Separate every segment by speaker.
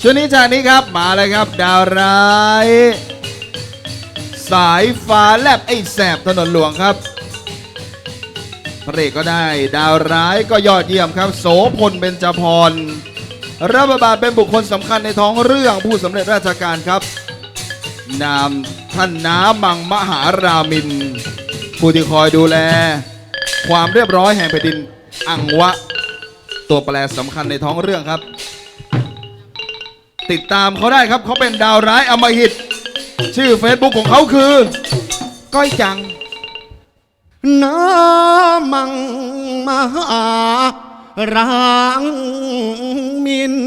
Speaker 1: ช่วงนี้จากนี้ครับมาเลยครับดาวร้ายสายฟ้าแลบไอ้แสบถนนหลวงครับพระเอกก็ได้ดาวร้ายก็ยอดเยี่ยมครับโสพลเบญจพรรับบทบาทเป็นบุคคลสำคัญในท้องเรื่องผู้สำเร็จราชการครับนามท่านน้ามังมหารามินผู้ที่คอยดูแลความเรียบร้อยแห่งแผ่นดินอังวะตัวแปรสำคัญในท้องเรื่องครับติดตามเขาได้ครับเขาเป็นดาวร้ายอำมหิตชื่อ Facebook ของเขาคือก้อยจัง
Speaker 2: น้ามังมหารางมิน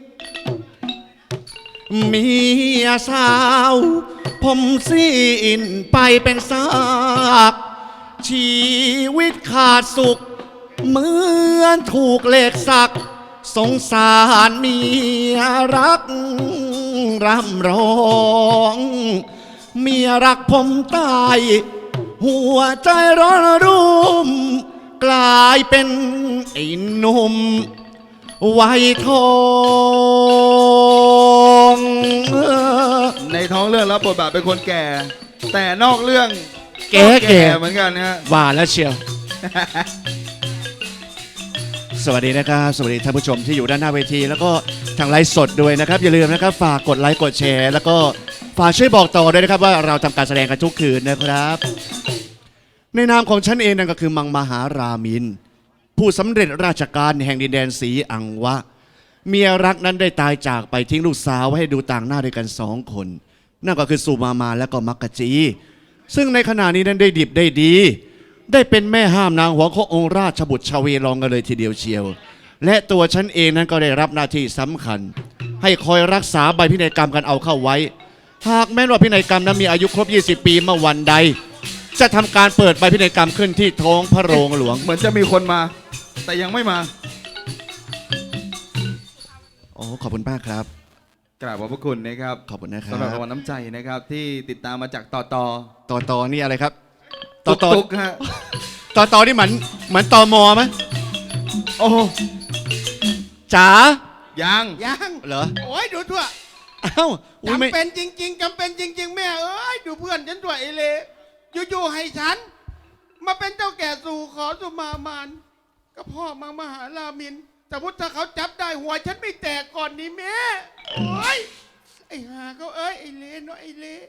Speaker 2: เมียสาวผมสิ้นไปเป็นซากชีวิตขาดสุขเหมือนถูกเหล็กสักสงสารเมียรักร่ำร้องเมียรักผมตายหัวใจร้อนรุ่มกลายเป็นไอ้หนุ่มวัยทอง
Speaker 1: ในท้องเรื่องรับบทบาทเป็นคนแก่ แต่นอกเรื่อง
Speaker 2: แก่
Speaker 1: เหมือนกันนะฮะ
Speaker 2: ว่าแล้วเชียว สวัสดีนะครับสวัสดีท่านผู้ชมที่อยู่ด้านหน้าเวทีแล้วก็ทางไลฟ์สดด้วยนะครับอย่าลืมนะครับฝากกดไลค์กดแชร์แล้วก็ฝากช่วยบอกต่อด้วยนะครับว่าเราทำการแสดงกันทุกคืนนะครับในนามของฉันเองนั่นก็คือมังมหารามินผู้สำเร็จราชการแห่งดินแดนศรีอังวะเมียรักนั้นได้ตายจากไปทิ้งลูกสาวไว้ให้ดูต่างหน้าด้วยกัน2 คนนั่นก็คือสุมาและก็มักกะจีซึ่งในขณะนี้นั้นได้ดิบได้ดีได้เป็นแม่ห้ามนางหัวขององค์ราชบุตรชเวลองกันเลยทีเดียวเชียวและตัวฉันเองนั้นก็ได้รับหน้าที่สำคัญให้คอยรักษาใบพินัยกรรมกันเอาเข้าไว้หากแม้ว่าพินัยกรรมนั้นมีอายุครบ20 ปีเมื่อวันใดจะทำการเปิดใบพินัยกรรมขึ้นที่ท้องพระโรงหลวง
Speaker 1: เหมือนจะมีคนมาแต่ยังไม่มา
Speaker 2: โอ้ขอบคุณมากครับ
Speaker 1: กราบขอบพระคุณนะครับ
Speaker 2: ขอบคุณนะครับ
Speaker 1: สำหรับรางวัลน้ำใจนะครับที่ติดตามมาจากต่อ
Speaker 2: นี่อะไรครับ
Speaker 1: ตุกฮะ
Speaker 2: ต่อนี่เหมือนตมไหม
Speaker 1: โอ้
Speaker 2: จ๋า
Speaker 1: ยัง
Speaker 2: เหรอ
Speaker 3: โอ้ยดูทั่ว
Speaker 2: อ้าว
Speaker 3: จำเป็นจริงๆจำเป็นจริงๆแม่เอ้ยดูเพื่อนฉันด้วยไอเล่อยู่ๆให้ฉันมาเป็นเจ้าแก่สู่ขอสุมามานก็พ่อมังมหารามินแต่พุทธถ้าเขาจับได้หัวฉันไม่แตกก่อนนี่แม่โอ้ยไอ้หาเขาเอ้ยไอเล่เนาะไอเล่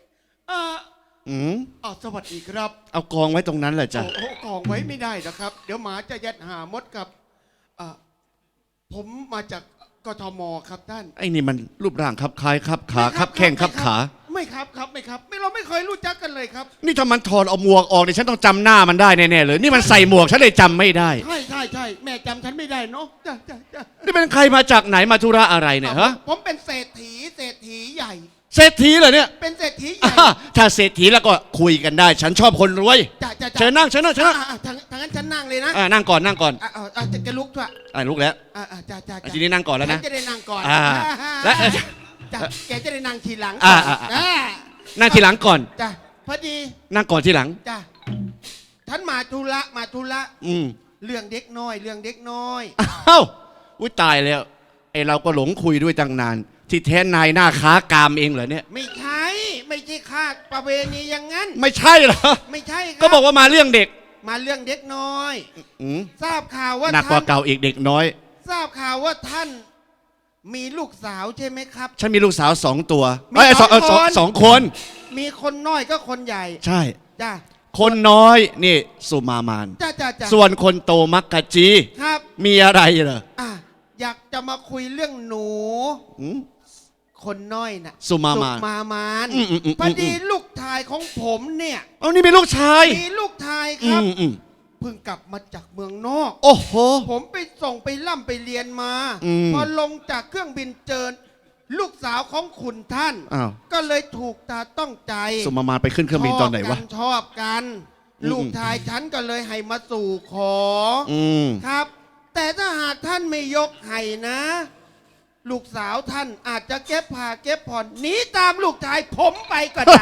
Speaker 3: สวัสดีครับ
Speaker 2: เอากองไว้ตรงนั้นแหละจ้ะ
Speaker 3: โอ้กองไว้ไม่ได้นะครับเดี๋ยวหมาจะยัดหามดกับผมมาจากกทมครับท่าน
Speaker 2: ไอ้นี่มันรูปร่างคับคล้ายคับขาคับแข้งคับขา
Speaker 3: ไม่ครับเราไม่เคยรู้จักกันเลยครับ
Speaker 2: นี่ถ้ามันถอดเอาหมวกออกเนี่ยฉันต้องจำหน้ามันได้แน่ๆเลยนี่มันใส่หมวกฉันเลยจำไม่ได้
Speaker 3: ใช่แม่จำฉันไม่ได้เนาะ
Speaker 2: นี่เป็นใครมาจากไหนมาธุระอะไรเนี่ยฮะ
Speaker 3: ผมเป็นเศรษฐีใหญ่
Speaker 2: เศรษฐีเหรอเนี่ย
Speaker 3: เป็นเศรษฐีใหญ่
Speaker 2: ถ้าเศรษฐีแล้วก็คุยกันได้ฉันชอบคนรวยเชิญนั่ง
Speaker 3: ทางนั้นฉันนั่งเลยนะ
Speaker 2: นั่งก่อน
Speaker 3: จะลุกด้วย
Speaker 2: ลุกแล้วทีนี้นั่งก่อนแล้วนะ
Speaker 3: จะได้นั่งก่อน
Speaker 2: และ
Speaker 3: แกจะได้นั่งทีหลัง
Speaker 2: นั่งทีหลังก่อน
Speaker 3: จ้ะพอดี
Speaker 2: นั่งก่อนทีหลัง
Speaker 3: จ้ะท่านมาธุระเรื่องเด็กน้อย
Speaker 2: อ้าวอุ้ยตายแล้วไอเราก็หลงคุยด้วยตั้งนานที่แท้นายหน้าค้ากามเองเหรอเนี่ย
Speaker 3: ไม่ใช่ค่าประเวณีอย่างนั้น
Speaker 2: ไม่ใช่เหรอ
Speaker 3: ไม่ใช่ครับ
Speaker 2: ก็บอกว่ามาเรื่องเด็ก
Speaker 3: มาเรื่องเด็กน้อยทราบข่าวว่า
Speaker 2: หนักกว่าเก่าอีกเด็กน้อย
Speaker 3: ทราบข่าวว่าท่านมีลูกสาวใช่ไหมครับ
Speaker 2: ฉันมีลูกสาว2 ตัวสองคน
Speaker 3: มีคนน้อยก็คนใหญ่
Speaker 2: ใช่
Speaker 3: จ้ะ
Speaker 2: คนน้อยนี่สุมามานส่วนคนโตมักกะจี
Speaker 3: ครับ
Speaker 2: มีอะไรเหรอ
Speaker 3: อยากจะมาคุยเรื่องหนูคนน้อยน่ะ
Speaker 2: สุมาม
Speaker 3: านพอดีลูกชายของผมเนี่ย
Speaker 2: นี่เป็นลูกชาย
Speaker 3: มีลูกชายครับเพิ่งกลับมาจากเมืองนอก
Speaker 2: โอ้โห
Speaker 3: ผมไปส่งไปล่ำไปเรียนมาพอลงจากเครื่องบินเจอลูกสาวของคุณท่านก็เลยถูกตาต้องใจ
Speaker 2: สุมามานไปขึ้นเครื่องบินตอนไหนวะ
Speaker 3: ชอบกันลูกชายฉันก็เลยให้มาสู่ขอครับแต่ถ้าหากท่านไม่ยกให้นะลูกสาวท่านอาจจะเก็บผ้าเก็บผ่อนหนีตามลูกชายผมไปก็ได้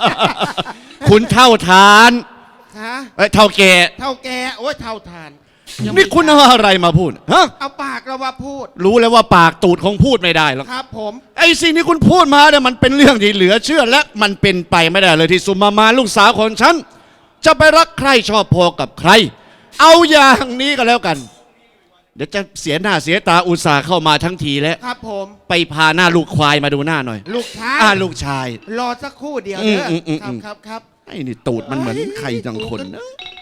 Speaker 2: คุณเท่าทานเท่าแก่
Speaker 3: โอ้ยเท่าทาน
Speaker 2: นี่คุณเอาอะไรมาพูดฮะ
Speaker 3: เอาปากเราว่าพูด
Speaker 2: รู้แล้วว่าปากตูดคงพูดไม่ได้หรอก
Speaker 3: ครับผม
Speaker 2: ไอ้สิ่งที่คุณพูดมาเนี่ยมันเป็นเรื่องที่เหลือเชื่อและมันเป็นไปไม่ได้เลยที่สุมาลูกสาวของฉันจะไปรักใครชอบพอกับใคร เอาอย่างนี้ก็แล้วกัน เดี๋ยวจะเสียหน้าเสียตาอุตส่าห์เข้ามาทั้งทีแล้ว
Speaker 3: ครับผม
Speaker 2: ไปพาหน้าลูกควายมาดูหน้าหน่อย
Speaker 3: ลูกชาย
Speaker 2: ลูกชาย
Speaker 3: รอสักครู่เดียวเด้อ
Speaker 2: อืม
Speaker 3: ครับ
Speaker 2: ไอ้นี่ตูดมันเหมือนใครจังคนนะ